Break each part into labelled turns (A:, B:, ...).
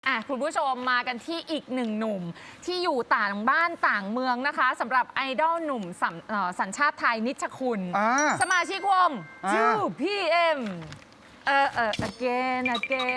A: คุณผู้ชมมากันที่อีกหนึ่งหนุ่มที่อยู่ต่างบ้านต่างเมืองนะคะสำหรับไอดอลหนุ่มสัญชาติไทยนิชคุณสมาชิกวง 2PM again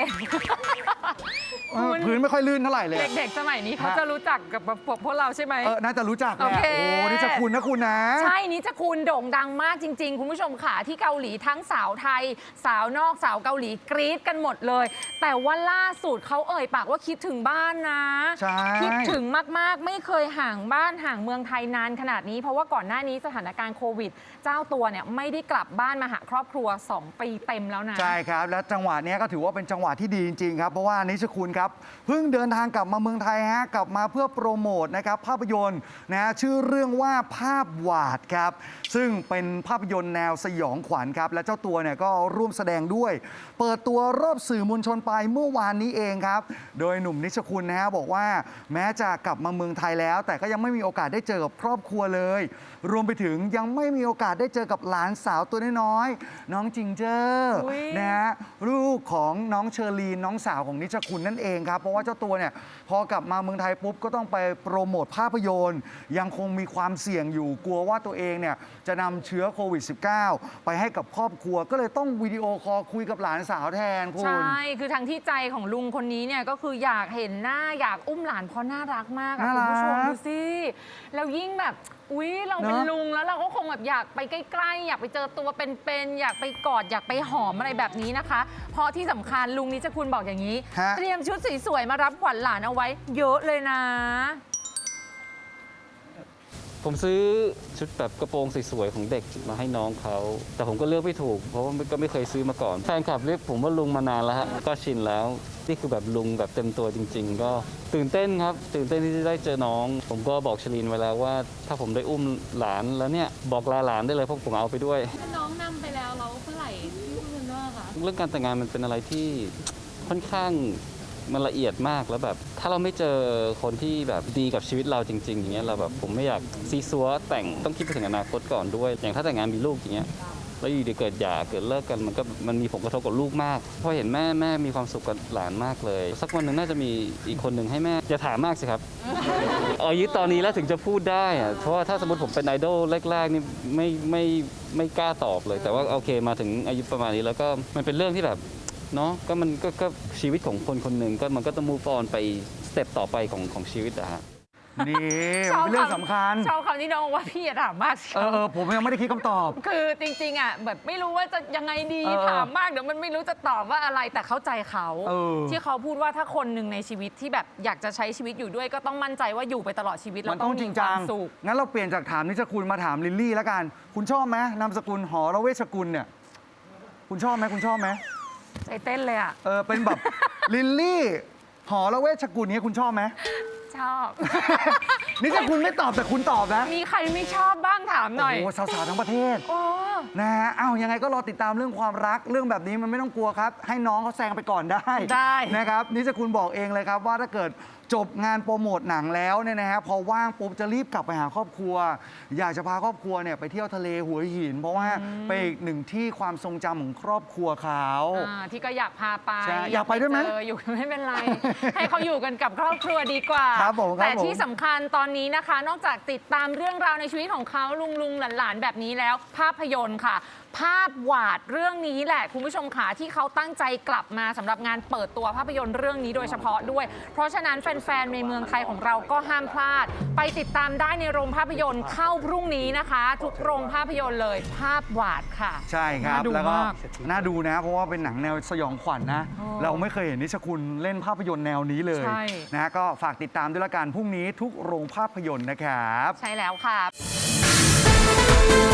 B: พื้นไม่ค่อยลื่นเท่าไหร่เลย
A: เด็กๆสมัยนี้เขาจะรู้จักกับพวกเราใช่ไหม
B: น่าจะรู้จักแหละโอ้นิชคุณนะคุณนะ
A: ใช่นิชคุณโด่งดังมากจริงๆคุณผู้ชมค่ะที่เกาหลีทั้งสาวไทยสาวนอกสาวเกาหลีกรี๊ดกันหมดเลยแต่ว่าล่าสุดเขาเอ่ยปากว่าคิดถึงบ้านนะคิดถึงมากๆไม่เคยห่างบ้านห่างเมืองไทยนานขนาดนี้เพราะว่าก่อนหน้านี้สถานการณ์โควิดเจ้าตัวเนี่ยไม่ได้กลับบ้านมาหาครอบครัว2 ปีเต็มแล้วนะ
B: ใช่ครับและจังหวะนี้ก็ถือว่าเป็นจังหวะที่ดีจริงๆครับเพราะว่านิชคุณครับเพิ่งเดินทางกลับมาเมืองไทยฮะกลับมาเพื่อโปรโมทนะครับภาพยนตร์นะชื่อเรื่องว่าภาพวาดครับซึ่งเป็นภาพยนตร์แนวสยองขวัญครับและเจ้าตัวเนี่ยก็ร่วมแสดงด้วยเปิดตัวรอบสื่อมวลชนไปเมื่อวานนี้เองครับโดยหนุ่มนิชคุณนะฮะบอกว่าแม้จะกลับมาเมืองไทยแล้วแต่ก็ยังไม่มีโอกาสได้เจอกับครอบครัวเลยรวมไปถึงยังไม่มีโอกาสได้เจอกับหลานสาวตัวน้อยๆน้องจิงเจอร์นะฮะลูกของน้องเชอรีนน้องสาวของนิชคุณนั่นเองครับเพราะว่าเจ้าตัวเนี่ยพอกลับมาเมืองไทยปุ๊บก็ต้องไปโปรโมทภาพยนตร์ยังคงมีความเสี่ยงอยู่กลัวว่าตัวเองเนี่ยจะนำเชื้อโควิด -19 ไปให้กับครอบครัวก็เลยต้องวิดีโอคอลคุยกับหลานสาวแทนคุณ
A: ใช่คือทางที่ใจของลุงคนนี้เนี่ยก็คืออยากเห็นหน้าอยากอุ้มหลานเพราะน่ารักมากคุณผู้ชมดูสิแล้วยิ่งแบบเราเป็นลุงแล้วเราก็คงแบบอยากไปใกล้ๆอยากไปเจอตัวเป็นๆอยากไปกอดอยากไปหอมอะไรแบบนี้นะคะเพราะที่สำคัญลุงนิชคุณบอกอย่างนี้เตรียมชุดสวยๆมารับขวัญหลานเอาไว้เยอะเลยนะ
C: ผมซื้อชุดแบบกระโปรงสวยๆของเด็กมาให้น้องเขาแต่ผมก็เลือกไม่ถูกเพราะว่าก็ไม่เคยซื้อมาก่อนแฟนคลับเรียกผมว่าลุงมานานแล้วฮะก็ชินแล้วนี่คือแบบลุงแบบเต็มตัวจริงๆก็ตื่นเต้นครับตื่นเต้นที่จะได้เจอน้องผมก็บอกชลินไว้แล้วว่าถ้าผมได้อุ้มหลานแล้วเนี่ยบอกลาหลานได้เลยเพราะผมเอาไปด้วย
D: ถ้าน้องนำไปแล้วเราเมื่อไหร่ที่คุณว่าคะ
C: เรื่องการแต่งงานมันเป็นอะไรที่ค่อนข้างมันละเอียดมากแล้วแบบถ้าเราไม่เจอคนที่แบบดีกับชีวิตเราจริงๆอย่างเงี้ยเราแบบผมไม่อยากซีซัวแต่งต้องคิดไปถึงอนาคตก่อนด้วยอย่างถ้าแต่งงานมีลูกอย่างเงี้ยแล้วอยู่ดีเกิดหย่าเกิดเลิกกันมันมีผลกระทบกับลูกมากพอเห็นแม่มีความสุขกับหลานมากเลยสักวันหนึ่งน่าจะมีอีกคนหนึ่งให้แม่อย่าถามมากสิครับอายุตอนนี้แล้วถึงจะพูดได้อะเพราะว่าถ้าสมมติผมเป็นไอดอลแรกๆนี่ไม่กล้าตอบเลยแต่ว่าโอเคมาถึงอายุประมาณนี้แล้วก็มันเป็นเรื่องที่แบบเนาะก็มันก็ชีวิตของคนคนหนึ่งก็มันก็ต้องมูฟออนไปสเต็ปต่อไปของชีวิตอะฮะ
B: นี่เป็นเรื่องสำคัญ
A: ชอบคำที่น้องว่าพี่ถามมาก
B: ผมยังไม่ได้คิดคำตอบ
A: คือจริงๆอ่ะแบบไม่รู้ว่าจะยังไงดีถามมากเดี๋ยวมันไม่รู้จะตอบว่าอะไรแต่เข้าใจเขาที่เขาพูดว่าถ้าคนหนึ่งในชีวิตที่แบบอยากจะใช้ชีวิตอยู่ด้วยก็ต้องมั่นใจว่าอยู่ไปตลอดชีวิตแล้วต้องมีความสุข
B: งั้นเราเปลี่ยนจากถามนิชคุณมาถามลิลลี่แล้วกันคุณชอบไหมนามสกุลหอระเวชกุลเนี่ยคุณชอบไหม
A: ใจเต้นเลยอ่ะ
B: เป็นแบบลิลลี่หอระเวชกุลนี้คุณชอบไหม
A: ชอบ
B: นี่ถ้าคุณไม่ตอบแต่คุณตอบนะ
A: มีใครไม่ชอบบ้างถามหน่อย
B: โอ้สาวๆทั้งประเทศนะฮะยังไงก็รอติดตามเรื่องความรักเรื่องแบบนี้มันไม่ต้องกลัวครับให้น้องเขาแซงไปก่อนได้นะครับนี่จะคุณบอกเองเลยครับว่าถ้าเกิดจบงานโปรโมทหนังแล้วเนี่ยนะฮะพอว่างปุ๊บจะรีบกลับไปหาครอบครัวอยากจะพาครอบครัวเนี่ยไปเที่ยวทะเลหัวหินเพราะว่าเป็นอีกหนึ่งที่ความทรงจำของครอบครัวเขา
A: ที่ก็อยากพาไป
B: อยากไปด้วยไหม
A: อยู่ไม่เป็นไรให้เขาอยู่กันกับครอบครัวดีกว่าแต่ที่สำคัญตอนนี้นะคะนอกจากติดตามเรื่องราวในชีวิตของเขาลุงหลานแบบนี้แล้วภาพยนตร์ค่ะภาพวาดเรื่องนี้แหละคุณผู้ชมค่ะที่เขาตั้งใจกลับมาสำหรับงานเปิดตัวภาพยนตร์เรื่องนี้โดยเฉพาะด้วยเพราะฉะนั้นแฟนๆในเมืองไทยของเราก็ห้ามพลาดไปติดตามได้ในโรงภาพยนตร์เข้าพรุ่งนี้นะคะทุกโรงภาพยนตร์เลยภาพวาดค่ะ
B: ใช่ครับแล้วก็น่าดูนะเพราะว่าเป็นหนังแนวสยองขวัญนะเราไม่เคยเห็นนิชคุณเล่นภาพยนตร์แนวนี้เลยนะก็ฝากติดตามด้วยละกันพรุ่งนี้ทุกโรงภาพยนตร์นะครับ
A: ใช่แล้วค่ะ